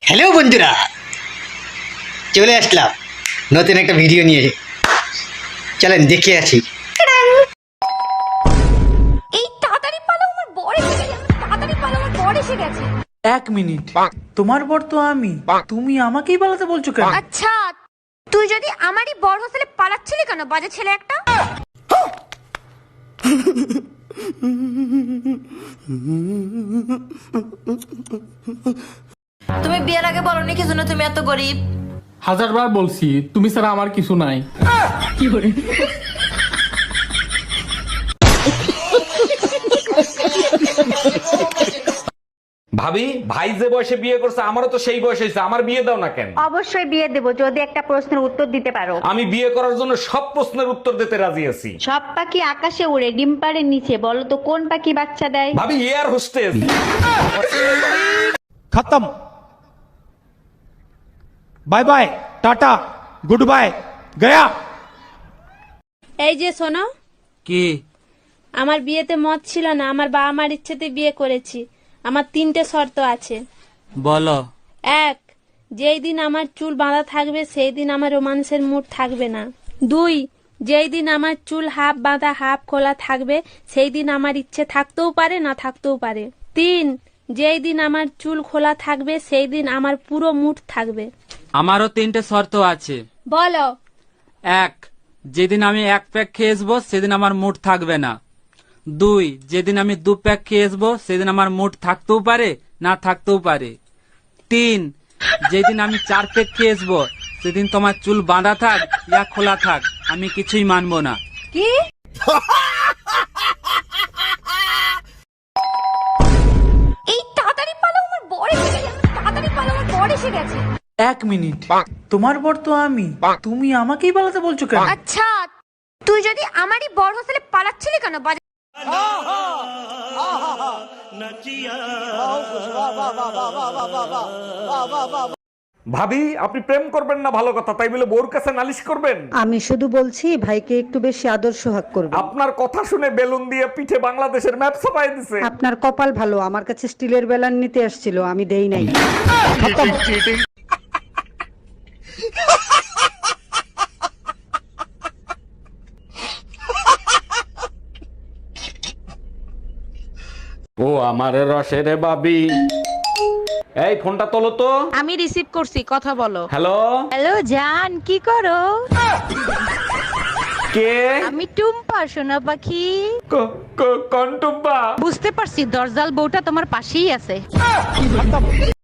Hello বন্ধুরা, চলে আসলাম নতুন একটা ভিডিও নিয়ে। চলেন দেখে আসি। এই তাড়াতাড়ি পালাও, আমার বর এসে গেছে। তাড়াতাড়ি পালাও, আমার বর এসে গেছে। এক মিনিট, তোমার বর তো আমি, তুমি আমাকেই পালাতে বলছো কেন? আচ্ছা, তুই যদি আমারই বর হোস্টেলে পালাচ্ছিলি কেন, বাজে ছেলে একটা? তুমি বিয়ের আগে বলনি কি জন্য তুমি এত গরিব? হাজারবার বলছি তুমি ছাড়া আমার কিছু নাই। ভাবি, ভাই যে বয়সে বিয়ে করছে আমারও তো সেই বয়স হয়েছে, আমার বিয়ে দাও না কেন? অবশ্যই বিয়ে দেব যদি একটা প্রশ্নের উত্তর দিতে পারো। আমি বিয়ে করার জন্য সব প্রশ্নের উত্তর দিতে রাজি আছি। সব পাখি আকাশে উড়ে, ডিম পাড়ের নিচে, বলো তো কোন পাখি বাচ্চা দেয়? ভাবি, এয়ার হোস্টেস। खत्म। Bye bye, tata, good bye, गया। এই যে শোনো, কি? আমার বিয়েতে মত ছিল না, আমার বাবা মার ইচ্ছেতে বিয়ে করেছি। আমার 3টে শর্ত আছে। বলো। 1, যেই দিন আমার চুল বাঁধা থাকবে সেই দিন আমার রোমান্সের মুড থাকবে না। 2, যেই দিন আমার চুল হাফ বাঁধা হাফ খোলা থাকবে সেই দিন আমার ইচ্ছে থাকতেও পারে না থাকতেও পারে। 3, যেই দিন আমার চুল খোলা থাকবে সেই দিন আমার পুরো মুড থাকবে। আমারও 3টে শর্ত আছে। বলো। 1, যেদিন আমি 1 প্যাক খেয়ে আসবো সেদিন আমার মুড থাকবে না। 2, যেদিন আমি 2 প্যাক খেয়ে আসবো সেদিন আমার মুড থাকতেও পারে না থাকতেও পারে। 3, যেদিন আমি 4 প্যাক খেয়ে আসবো সেদিন তোমার চুল বাঁধা থাক ইয়া খোলা থাক আমি কিছুই মানবো না। কি? এই তাড়াতাড়ি পালাও, আমার বর এসে গেছে। তাড়াতাড়ি পালাও, আমার বর এসে গেছে। এক মিনিট, তোমার বর তো আমি, তুমি আমাকেই পালাতে বলছো কেন? আচ্ছা, তুই যদি আমারই বর হোস্টেলে পালাচ্ছিলি কেন, বাজে? ভাবি, আপনি প্রেম করবেন না ভালো কথা, তাই বলে বউর কাছে নালিশ করবেন? আমি শুধু বলছি ভাইকে একটু বেশি আদর সোহাগ করবে। আপনার কথা শুনে বেলুন দিয়ে পিঠে বাংলাদেশের ম্যাপ ছাপাই দিছে। আপনার কপাল ভালো, আমার কাছে স্টিলের বেলান নিতে আসছিল, আমি দেই নাই। ও আমার রসের বাবি, এই ফোনটা তোলো তো। আমি রিসিভ করছি, কথা বলো। হ্যালো। হ্যালো জান, কি করো? কে? আমি টুম্পা, সোনা পাখি। কন্টুব্বা। বুঝতে পারছি, দরজাল বউটা তোমার পাশেই আছে।